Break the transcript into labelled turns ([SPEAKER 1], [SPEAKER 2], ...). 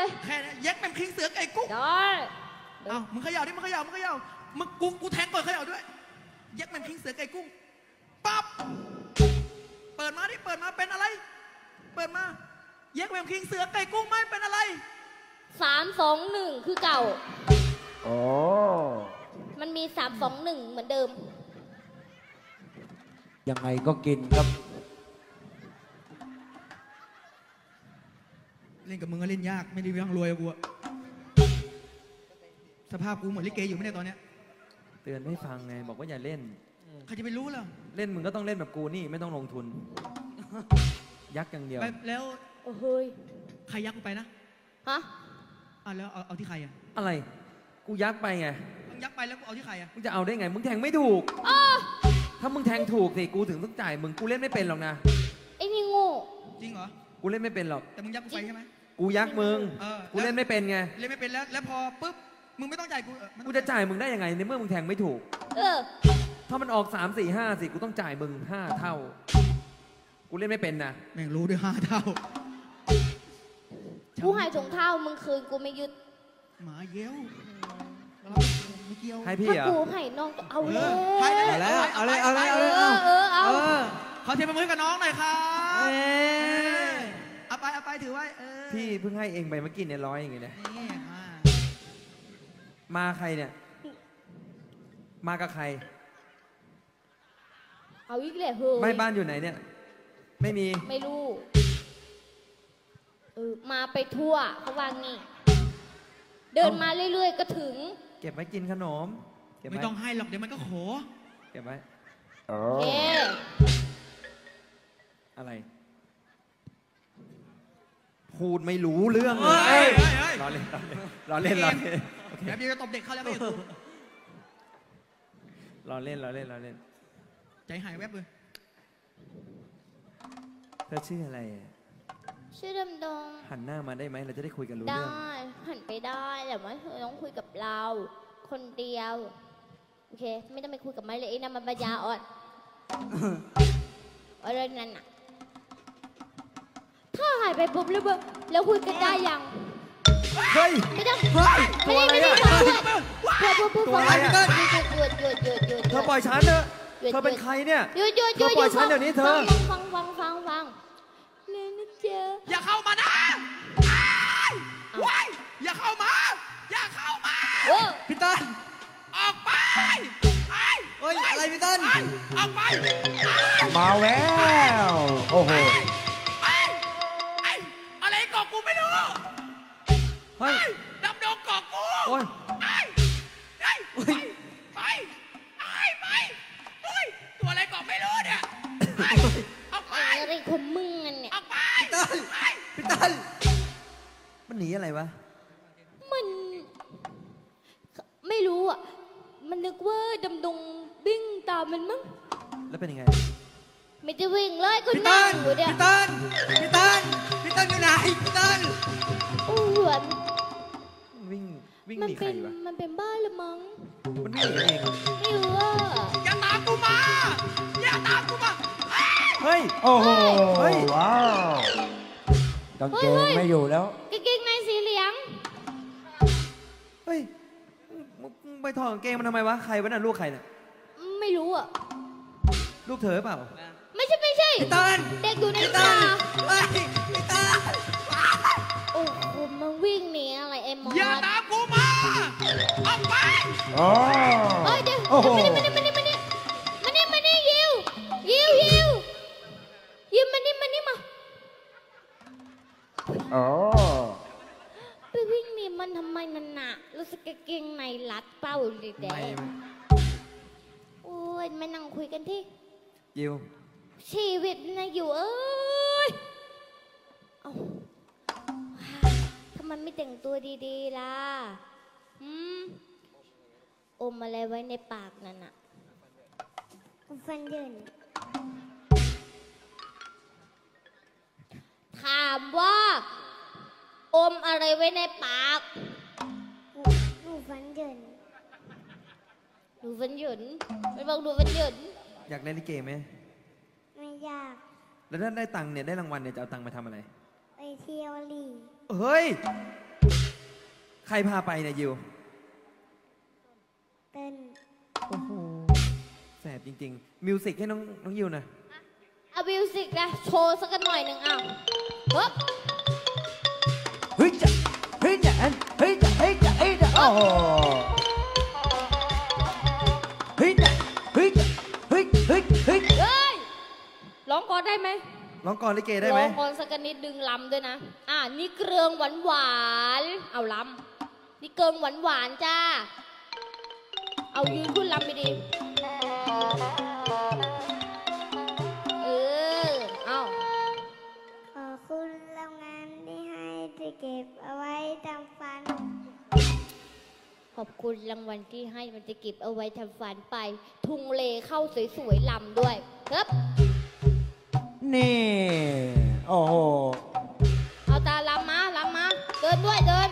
[SPEAKER 1] แค่นี้เย็กแม่งคิงเสือไก่กุ้ง
[SPEAKER 2] ได้
[SPEAKER 1] เอ้ามึงเขย่าดิมึงเขย่ามึงกูแทงก่อนเขย่าด้วยเย็กแม่งคิงเสือไก่กุ้งปั๊บเปิดมาดิเปิดมาเป็นอะไรเปิดมาเย็กแม่งคิงเสือไก่กุ้งไม่เป็นอะไร
[SPEAKER 2] 3-2-1 คือเก่า
[SPEAKER 3] โอ้
[SPEAKER 2] มันมี 3-2-1 เหมือนเดิม
[SPEAKER 3] ยังไงก็กินครับ
[SPEAKER 1] เล่นกับมึงก็เล่นยากไม่ได้เรื่องรวยกูอะสภาพกูเหมือนลิเกอยู่ไม่ได้ตอนเนี้ย
[SPEAKER 4] เตือนไม่ฟังไงบอกว่าอย่าเล่น
[SPEAKER 1] ใครจะไปรู้ล่ะ
[SPEAKER 4] เล่นมึงก็ต้องเล่นแบบกูนี่ไม่ต้องลงทุน ยักอย่างเดียว
[SPEAKER 1] แล้ว
[SPEAKER 2] โอ้เฮ้ย
[SPEAKER 1] ใครยักกูไปนะ
[SPEAKER 2] ฮะ
[SPEAKER 1] แล้วเอาที่ใครอะ
[SPEAKER 4] อะไร กูยักไปไง
[SPEAKER 1] มึงยักไปแล้วกูเอาที่ใครอะ
[SPEAKER 4] มึงจะเอาได้ไง มึงแทงไม่ถูก ถ้ามึงแทงถูกสิกูถึงต้องจ่ายมึงกูเล่นไม่เป็นหรอกนะ
[SPEAKER 2] ไอ้นี่โง่
[SPEAKER 1] จริงเหรอ
[SPEAKER 4] กูเล่นไม่เป็นหรอก
[SPEAKER 1] แต่มึงยักกูไปใช่ไหม
[SPEAKER 4] กูยักมึง กู
[SPEAKER 1] แล้ว
[SPEAKER 4] เล่นไม่เป็นไง
[SPEAKER 1] เล่นไม่เป็นแล้วพอปุ๊บมึงไม่ต้องจ่ายกูไม่ต้
[SPEAKER 4] กู
[SPEAKER 1] อง
[SPEAKER 4] จะจ่ายมึงได้ยังไงในเมื่อมึงแทงไม่ถูก
[SPEAKER 2] เออ
[SPEAKER 4] ถ้ามันออก3 4 5สิกูต้องจ่ายมึง5 เท่า กูเล่นไม่เป็นนะ
[SPEAKER 1] แม่งรู้ด้วย5 เท่า
[SPEAKER 2] กูให้ถุงเท้ามึงคืนกูไม่ยึด
[SPEAKER 1] หมาเย้วไม่เกี่ยว
[SPEAKER 4] ให้พี่
[SPEAKER 2] ถ้า
[SPEAKER 4] เหรอ
[SPEAKER 2] กูให้น้องก็เอาเลย
[SPEAKER 1] ให้ได้
[SPEAKER 3] เอาแล้วเอาเลยเอาเลยเอา
[SPEAKER 2] เอ
[SPEAKER 3] เลย
[SPEAKER 2] อเอา
[SPEAKER 1] ขอเทียบมือกับน้องหน่อยครับ
[SPEAKER 3] เอ้ย
[SPEAKER 1] เอาไปถือไว้
[SPEAKER 4] พี่เพิ่งให้เองไปเมื่อกี้เนี่ย100อย่างเงี้ยนะ
[SPEAKER 1] นี่มา
[SPEAKER 4] มาใครเนี่ย มากับใคร
[SPEAKER 2] เอาอีกเลยเฮ้ย
[SPEAKER 4] ไม่บ้านอยู่ไหนเนี่ย ไม่มี
[SPEAKER 2] ไม่รู้ มาไปทั่วเขาว่างี้ เดินมาเรื่อยๆก็ถึง
[SPEAKER 4] เก็บไว้กินขนม เก็บ
[SPEAKER 1] ไม่
[SPEAKER 4] ไว้
[SPEAKER 1] ต้องให้หรอกเดี๋ยวมันก็โข
[SPEAKER 4] เก็บไว้
[SPEAKER 3] โอ้
[SPEAKER 2] เอ๊
[SPEAKER 4] อะไร พูดไม่รู้เรื่องเล
[SPEAKER 1] เฮ้
[SPEAKER 4] ย
[SPEAKER 1] ย
[SPEAKER 4] รอเล่นรอเล่นรอเล่น
[SPEAKER 1] เดี๋ยวจะตบเด็กเข้าแล้วไม่กู
[SPEAKER 4] รอเล่นรอเล่นรอเล่น
[SPEAKER 1] ใจหายแวบเลย
[SPEAKER 4] เธอชื่ออะไรอะ
[SPEAKER 2] ชื่อดำดง
[SPEAKER 4] หันหน้ามาได้ไหมเราจะได้คุยกันรู้
[SPEAKER 2] ได้
[SPEAKER 4] เรื่อง
[SPEAKER 2] หันไปได้แต่ว่าเธอต้องคุยกับเรา คนเดียวโอเค ไม่ต้องไปคุยกับไม้เลยไอ้นั่นมันปัญญาอ่อนอะไรนั่นน่ะถ้าหายไปปุ๊บแล้วคุยกันได้ยัง
[SPEAKER 4] เฮ้ย
[SPEAKER 2] ไม่ต้อง
[SPEAKER 4] เฮ้ย
[SPEAKER 2] ไม่ได้
[SPEAKER 4] ตัวอะไร
[SPEAKER 2] ไม่
[SPEAKER 4] อะ
[SPEAKER 2] ได้พูด
[SPEAKER 4] ตัวอะไรอะ
[SPEAKER 2] หยุด
[SPEAKER 4] เธอปล่อยฉันเถอะเธอเป็นใครเนี่ย
[SPEAKER 2] หยุด
[SPEAKER 4] เธอปล่อยฉันเดี๋ยวนี้เธอ
[SPEAKER 2] ฟังเลยนะเจ๊ะ
[SPEAKER 1] อย่าเข้ามานะว้ายอย่าเข้ามา
[SPEAKER 2] โอ้
[SPEAKER 3] พี่ต้น
[SPEAKER 1] ออกไป
[SPEAKER 3] เฮ้ยอะไรพี่ต้น
[SPEAKER 1] ออกไป
[SPEAKER 3] มาแววโอ้โห
[SPEAKER 1] อะไรเกาะกูไม่รู้
[SPEAKER 4] เฮ้ย
[SPEAKER 1] ดำดงเกาะกู
[SPEAKER 4] โอ้ย
[SPEAKER 1] ไปตัวอะไรเกาะไม่รู้เนี่ยออกไป
[SPEAKER 2] อะไรของมึงอะเนี่ย
[SPEAKER 1] ออกไป
[SPEAKER 3] พี่ต้น
[SPEAKER 4] มันหนีอะไรวะ
[SPEAKER 2] มันไม่รู้อ่ะ มันนึกว่าดำดงวิ่งตามมันมั้ง
[SPEAKER 4] แล้วเป็นยังไง
[SPEAKER 2] ไม่ได้วิ่งเลยก็
[SPEAKER 3] พี่
[SPEAKER 2] นั่
[SPEAKER 3] ต้
[SPEAKER 2] ง
[SPEAKER 3] น
[SPEAKER 2] อยู่เนี่ย
[SPEAKER 3] พี่ต้นพี่ต้นพี่ต้นอยู่ไหนพี่ต้น
[SPEAKER 2] โอ้เหมือน
[SPEAKER 4] วิ่งห
[SPEAKER 2] มัน
[SPEAKER 4] นีใค
[SPEAKER 2] เป็
[SPEAKER 4] ร
[SPEAKER 2] น
[SPEAKER 4] วะ
[SPEAKER 2] มันเป็นบ้าละมั้ง
[SPEAKER 4] มันวิ่งหนีเอง
[SPEAKER 2] ไม่รู้อ่ะ
[SPEAKER 1] อย่าตามกูมาอย่าตามกูมา
[SPEAKER 4] เฮ้ย
[SPEAKER 3] โอ้โห
[SPEAKER 4] เฮ้ย
[SPEAKER 3] ว้าวกางเกงไม่อยู่แล้ว
[SPEAKER 2] กางเกงในสีเหลือง
[SPEAKER 4] เฮ้ยมึงไปถอดกางเกงมันทำไมวะ ใครวะน่ะลูกใครน่ะ
[SPEAKER 2] ไม่รู้อ่ะ
[SPEAKER 4] ลูกเธอเปล่า
[SPEAKER 2] ไม่ใช่
[SPEAKER 3] พี่ต้น
[SPEAKER 2] เด็กอยู่ใน
[SPEAKER 3] พี่
[SPEAKER 2] ป่า
[SPEAKER 3] ต้นเฮ้ยพี่ต้น
[SPEAKER 2] โอ้โหมันวิ่งหนีอะไรไอ้มอส
[SPEAKER 1] อย่าตามกูมาออกไป
[SPEAKER 3] โอ้
[SPEAKER 2] เอ้ยเดี๋ยว
[SPEAKER 3] โอ้โห
[SPEAKER 2] มานี่ยิวมานี่มา
[SPEAKER 3] โอ้
[SPEAKER 2] ไปวิ่งหนีมันทำไมนั่นน่ะรู้สึกกางเกงในรัดเป้าเลยแด
[SPEAKER 4] ไม่
[SPEAKER 2] งโอ้ยมานั่งคุยกันที่
[SPEAKER 4] ยิว
[SPEAKER 2] ชีวิตนะอยู่เอ้ยเอ้าทำไมไม่แต่งตัวดีๆล่ะอมอะไรไว้ในปากนั่นน่ะฟันเดินถามว่า อมอะไรไว้ในปากหนูฟันเดินหนูฟันเหยินไม่บอกหนูฟันเหยิน
[SPEAKER 4] อยากเล่นลิเกไหม
[SPEAKER 2] ไม่อยาก
[SPEAKER 4] แล้วถ้าได้ตังค์เนี่ยได้รางวัลเนี่ยจะเอาตังค์มาทำอะไร
[SPEAKER 2] ไปเที่ยวลี
[SPEAKER 4] เฮ้ยใครพาไปเนี่ยยิว
[SPEAKER 2] เต้น
[SPEAKER 4] โอ้โหแสบจริงๆ มิวสิกให้น้องยิวหน่อย
[SPEAKER 2] เอามิวสิกนะโชว์สักหน่อยหนึ่งอ้าวเฮ้ย
[SPEAKER 3] เฮ้ยจะเฮ้ยจะเฮ้ยจะเฮ้ยจะเฮ้ยจะโอ้โหเฮ้ยจะเฮ้ยจะเฮ้ยเฮ้ยเฮ้ย
[SPEAKER 2] เฮ้ยร้องก่อนได้ไหม
[SPEAKER 4] ร้องกลอนลิเกได้ไหม
[SPEAKER 2] ร้องก่อนสักนิดดึงลำด้วยนะ นี่เกลืองหวานหวานๆเอาลำนี่เกลืองหวานหวานๆจ้า เอายืนขึ้นลำไปดีเออ เอา
[SPEAKER 5] ขอบคุณโรงงานที่ให้ที่เก็บเอาไว้ทำฟัน
[SPEAKER 2] ขอบคุณรางวัลที่ให้มันจะเก็บเอาไว้ทำฝันไป ทุงเลเข้าสวยๆลำด้วยครับ
[SPEAKER 3] นี่โอ้โห
[SPEAKER 2] เอาตาลำมา เดินด้วยเดิน